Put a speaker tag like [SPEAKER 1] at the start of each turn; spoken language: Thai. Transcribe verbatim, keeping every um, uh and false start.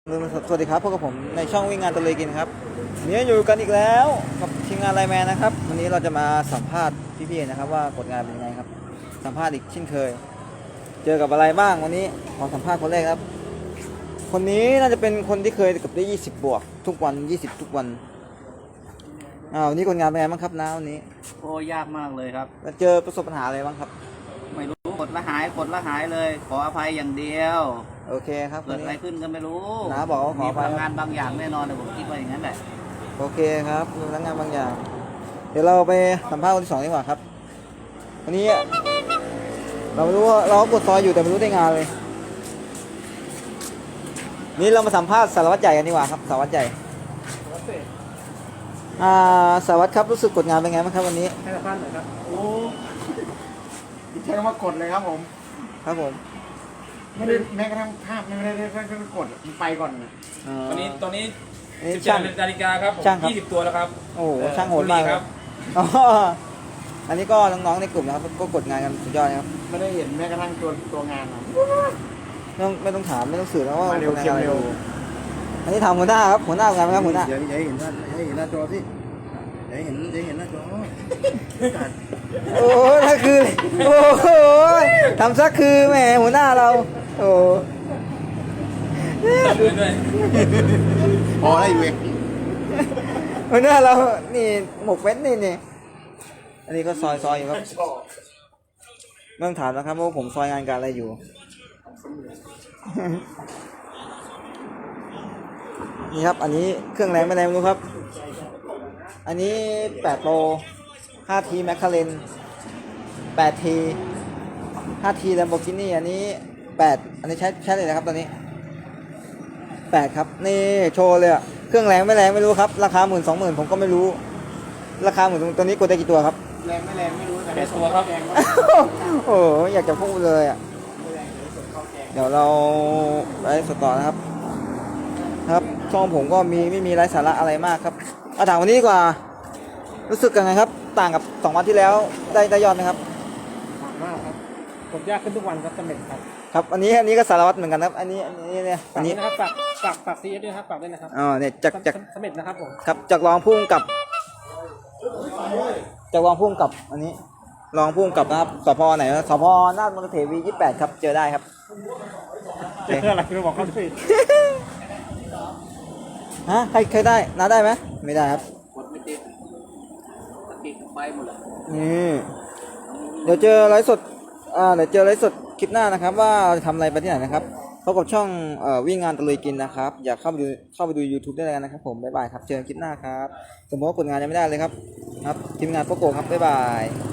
[SPEAKER 1] สวัสดีครับพบกับผมในช่องวิ่งงานตะลุยกินครับวันนี้อยู่กันอีกแล้วกับทีมงานไลน์แมนนะครับวันนี้เราจะมาสัมภาษณ์พี่ๆนะครับว่ากฎงานเป็นยังไงครับสัมภาษณ์อีกเช่นเคย เจอกับอะไรบ้างวันนี้ขอสัมภาษณ์คนแรกครับคนนี้น่าจะเป็นคนที่เคยกับได้ยี่สิบบวกทุกวันยี่สิบทุกวันอ้าววันนี้กฎงานเป็นไงบ้างครับน้าวันนี้
[SPEAKER 2] โอ้ยากมากเลยครับ
[SPEAKER 1] แล้วเจอประสบปัญหาอะไรบ้างครับ
[SPEAKER 2] ไม่รู้กดละหายกดละหายเลยขออภัยอย่างเดียว
[SPEAKER 1] โอเคครับ
[SPEAKER 2] เกิดอะไรขึ้นก็ไม่รู้
[SPEAKER 1] น้าบอกว่าขออภัย
[SPEAKER 2] มีพลังงานบางอย่างแน่นอนแต่ผมคิดว่าอย่างนั้นแหละ
[SPEAKER 1] โอเคครับมีพลังงานบางอย่างเดี๋ยวเราไปสัมภาษณ์คนที่สองดีกว่าครับวันนี้เราไม่รู้ว่าเรากดซอยอยู่แต่ไม่รู้ได้งานเลยนี่เรามาสัมภาษณ์สารวัตรใหญ่กันดีกว่าครับสารวัตรใหญ่อ่าสารวัตรครับรู้สึกกดงานเป็นไงบ้างครับวันนี้
[SPEAKER 3] ให้สัมภาษณ์หน่อยครับโอ้ใช้คำว่ากดเลยครับผม
[SPEAKER 1] ครับผม
[SPEAKER 3] ไม่ได้แม้กระทั่งภาพไม่ได้ได้แค่กดมันไปก่อนนะ
[SPEAKER 4] ตอนนี้ตอนนี้
[SPEAKER 1] นี่
[SPEAKER 4] สิบเจ็
[SPEAKER 1] ช่า
[SPEAKER 4] ด
[SPEAKER 1] ง
[SPEAKER 4] นาฬิกาครับผม
[SPEAKER 1] ช่างครับ
[SPEAKER 4] ยี่สิบตัวแล้วครับ
[SPEAKER 1] โอ้โหช่างโหดมากครับอ๋ออันนี้ก็น้องๆในกลุ่มนะครับก็กดงานกันสุดยอดครับ
[SPEAKER 3] ไม่ได้เห็นแม้กระทั่งตัวตัวงานนะ
[SPEAKER 1] ไม่ต้องไม่ต้องถามไม่ต้องสื่อแล้วว่า
[SPEAKER 3] มาเร็ว
[SPEAKER 1] กดงาน
[SPEAKER 3] เค็ม
[SPEAKER 1] อะไร
[SPEAKER 3] เร็ว
[SPEAKER 1] อันนี้ทำหัวหน้าครับหัวหน้างานครับหัวหน้า
[SPEAKER 5] เดี๋ยวอย่าให้เห็นหน้าอย่าให้เห็นหน้าจอสิอย่าให้เห็นอย่าให้เห็นหน้าจอ
[SPEAKER 1] โอ้ถ้าคือโอ้โหทำซักคือแหมหัวหน้าเราโอ้
[SPEAKER 4] ด้วยด้วย
[SPEAKER 5] พอได้อยู่เอง
[SPEAKER 1] หัวหน้าเรานี่หมกเม็ดนี่นี่อันนี้ก็ซอยซอยอยู่ครับไม่ต้องถามนะครับว่าผมซอยงานการอะไรอยู่ นี่ครับอันนี้เครื่องแรงไม่แรงไม่รู้ครับอันนี้แปดโลห้าทีแมคคาเรนแปดทีห้าทีแลมโบกินี่อันนี้แปดอันนี้ใช้ใช้เลยนะครับตอนนี้แปดครับนี่โชว์เลยอะเครื่องแรงไม่แรงไม่รู้ครับราคาหมื่นสองหมื่นผมก็ไม่รู้ราคาหมื่นตัวนี้กดได้กี่ตัวครับ
[SPEAKER 3] แรงไม่แรงไม่รู้แต่
[SPEAKER 4] แปดตัวครับ
[SPEAKER 3] แกงว่า
[SPEAKER 1] โอ้โหอยากจะพูดเลยอะเดี๋ยวเราไปสดต่อนะครับครับช่องผมก็มีไม่มีไร้สาระอะไรมากครับเอาถามวันนี้ดีกว่ารู้สึกยังไงครับต่างกับสองวันที่แล้วได้ได้ยอดไหมครับ
[SPEAKER 3] หนักมากครับกดยากขึ้นทุกวันครับสำเร็จครับ
[SPEAKER 1] ครับอันนี้อันนี้ก็สารวัตรเหมือนกันครับอันนี้อันนี้เนี่ยอั
[SPEAKER 3] ฝาน กด้
[SPEAKER 1] นี้
[SPEAKER 3] วยนะครับฝากฝากฝากซีเอสด้วยนะครับฝากด้วยนะครับ
[SPEAKER 1] อ๋อเนี่ยจากจาก
[SPEAKER 3] สำเร็จนะครับผม
[SPEAKER 1] ครับจากรองผู้กำกับจากรองผู้กำกับอันนี้รองผู้กำกับนะครับสพไหนนะสพนาฏมนเทวียี่สิบแปดครับเจอได้ครับ
[SPEAKER 3] เจออะไรไม่บอกเขาสิ
[SPEAKER 1] ฮะใครใครได้น้าได้ไหมไม่ได้ครับ
[SPEAKER 2] กดไม่ติดสติไปหมดเลย
[SPEAKER 1] นี่เดี๋ยวเจอไลฟ์สดอ่าเดี๋ยวเจอไลฟ์สดคลิปหน้านะครับว่าเราจะทำอะไรไปที่ไหนนะครับพบกับช่องเอ่อวิ่งงานตะลุยกินนะครับอยากเข้าไปดูเข้าไปดู YouTube ได้เลยนะครับผมบ๊ายบายครับเจอกันคลิปหน้าครับสมมติว่ากดงานยังไม่ได้เลยครับครับทีมงานโปโกครับบ๊ายบาย